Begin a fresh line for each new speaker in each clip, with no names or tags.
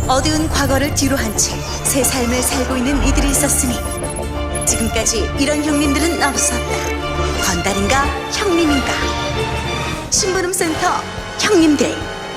어두운 과거를 뒤로 한 채 새 삶을 살고 있는 이들이 있었으니 지금까지 이런 형님들은 없었다. 건달인가 형님인가? 심부름센터 형님들.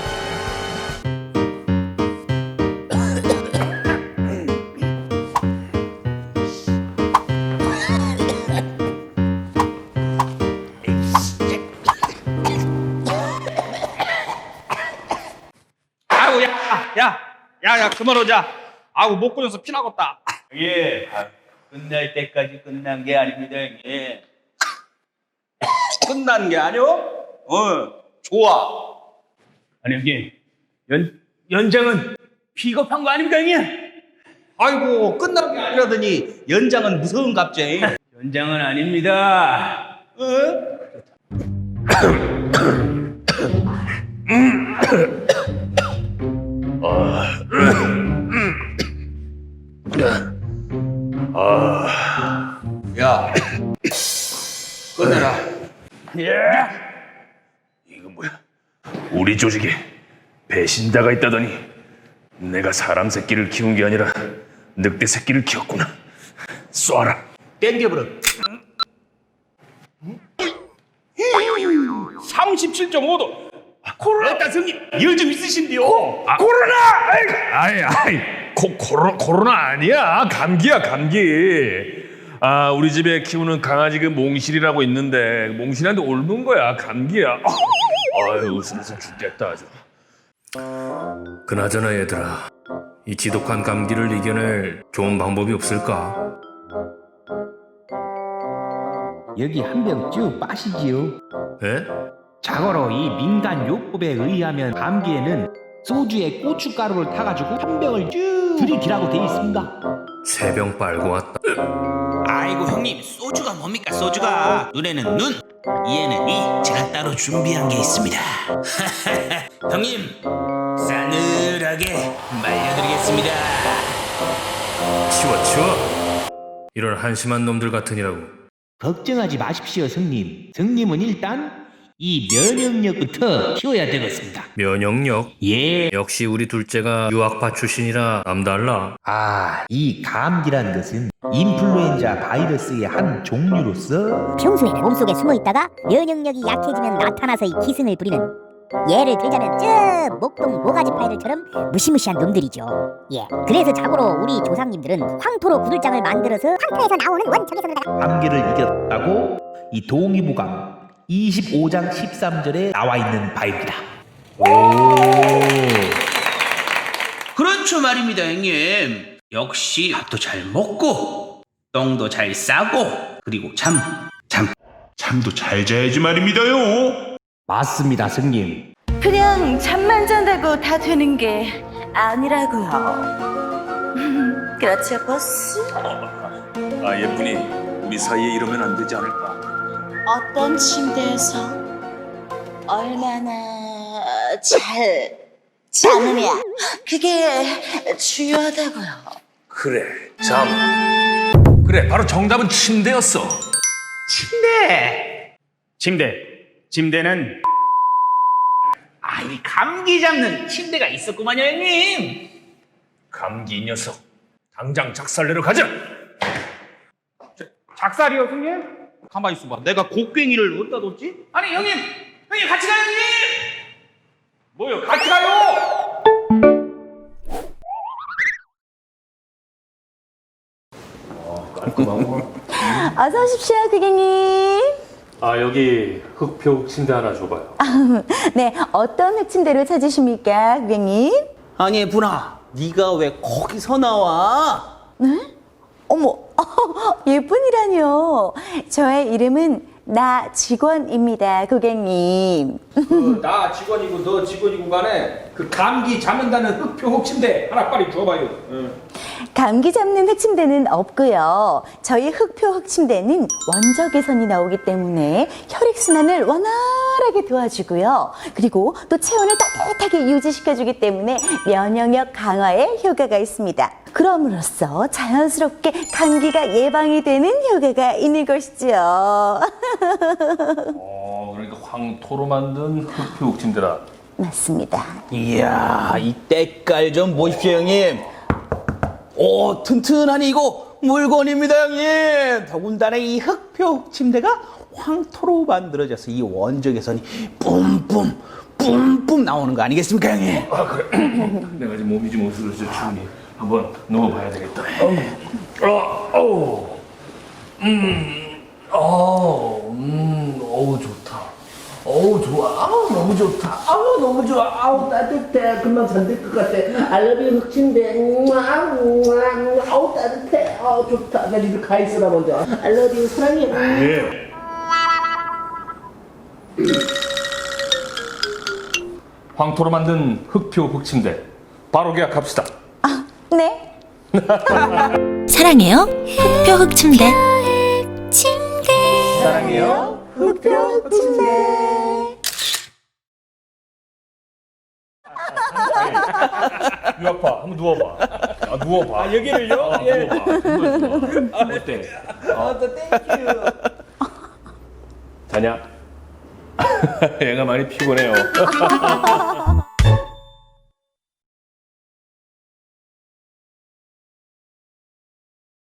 아이고 야 그만 오자. 아이고 목 끊어서 피나겠다.
예, 끝날 때까지 끝난 게 아닙니다, 예.
끝난 게 아니오? 좋아.
아니, 형님, 연장은 비겁한 거 아닙니까, 형님?
아이고 끝난 게 아니라더니 연장은 무서운 갑자기.
연장은 아닙니다.
야, 끊어라.
예. 이거 뭐야? 우리 조직에 배신자가 있다더니 내가 사람 새끼를 키운 게 아니라 늑대 새끼를 키웠구나. 쏴라.
땡겨버려. 37.5도.
코로나
형님, 열 좀 있으신데요.
코로나! 아이, 코로나 아니야. 감기야, 감기. 아, 우리 집에 키우는 강아지 그 몽실이라고 있는데 몽실한테 옮은 거야. 감기야. 아유, 웃으면서 죽겠다 아주. 그나저나 얘들아, 이 지독한 감기를 이겨낼 좋은 방법이 없을까?
여기 한 병 쭉 빠시지요.
에?
자고로 이 민간 요법에 의하면 감기에는 소주에 고춧가루를 타가지고 한 병을 쭉 들이키라고 돼 있습니다.
세 병 빨고 왔다.
아이고 형님, 소주가 뭡니까 소주가. 눈에는 눈, 이에는 이. 제가 따로 준비한 게 있습니다. 형님, 싸늘하게 말려드리겠습니다.
치워. 이런 한심한 놈들 같으니라고.
걱정하지 마십시오, 성님. 성님은 일단 이 면역력부터 키워야 되겠습니다.
면역력?
예.
역시 우리 둘째가 유학파 출신이라 남달라.
이 감기라는 것은 인플루엔자 바이러스의 한 종류로서
평소에 몸속에 숨어있다가 면역력이 약해지면 나타나서 이 기승을 부리는, 예를 들자면 저 목동 모가지 파이들처럼 무시무시한 놈들이죠. 예. 그래서 자고로 우리 조상님들은 황토로 구들장을 만들어서 황토에서 나오는 원적외선으로다가
감기를 이겼다고 이 동의보감 25장 13절에 나와 있는 바입니다.
그렇죠 말입니다 형님. 역시 밥도 잘 먹고 똥도 잘 싸고 그리고 잠도 잘 자야지 말입니다요.
맞습니다, 성님.
그냥 잠만 잔다고 다 되는 게 아니라고요. 그렇죠, 보스?
아, 예쁜이, 우리 사이에 이러면 안 되지 않을까?
어떤 침대에서 얼마나 잘 자느냐, 그게 중요하다고요.
그래, 그래, 바로 정답은 침대였어.
침대는 이 감기 잡는 침대가 있었구만요 형님.
감기 이 녀석, 당장 작살내러 가자.
작살이요, 형님? 가만히 있어봐. 내가 곡괭이를 어디다 뒀지?
아니 형님 같이 가요 형님.
뭐요? 같이 가요!
어서 오십시오, 고객님.
아, 여기 흑표 침대 하나 줘봐요.
네, 어떤 흑침대로 찾으십니까, 고객님?
아니 예쁜아, 네가 왜 거기서 나와?
어머, 예쁜이라뇨. 저의 이름은 나 직원입니다, 고객님.
나 직원이고 너 직원이고 간에 그 감기 잡는다는 흑표 흑침대 하나 빨리 줘봐요.
감기 잡는 흑침대는 없고요. 저희 흑표 흑침대는 원적외선이 나오기 때문에 혈액순환을 원활하게 도와주고요. 그리고 또 체온을 따뜻하게 유지시켜주기 때문에 면역력 강화에 효과가 있습니다. 그럼으로써 자연스럽게 감기가 예방이 되는 효과가 있는 것이죠.
그러니까 황토로 만든 흑표 침대라.
맞습니다.
이야, 이 때깔 좀 보십시오, 형님. 오, 튼튼하니 이거 물건입니다, 형님. 더군다나 이 흑표 침대가 황토로 만들어져서 이 원적 개선이 뿜뿜 나오는 거 아니겠습니까, 형님?
내가 지금 몸이 좀 어슬어슬 추우니 한번 누워봐야 되겠다.
어우 좋다. 어우 좋아. 아우 너무 좋다. 아우 너무 좋아. 아우 따뜻해. 금방 잠들 것 같아. 알러뷰 흑침대. 아우 따뜻해. 아우 좋다. 나 집에 가 있어라 먼저. 알러뷰 사랑해.
예.
황토로 만든 흑표 흑침대 바로 계약합시다.
네.
사랑해요 흑표 흑침대.
사랑해요.
흑표 침대.
유 아파, 한번 누워봐. 누워봐.
여기를요? 예.
누워봐. 어때?
땡큐.
자냐? 얘가 많이 피곤해요.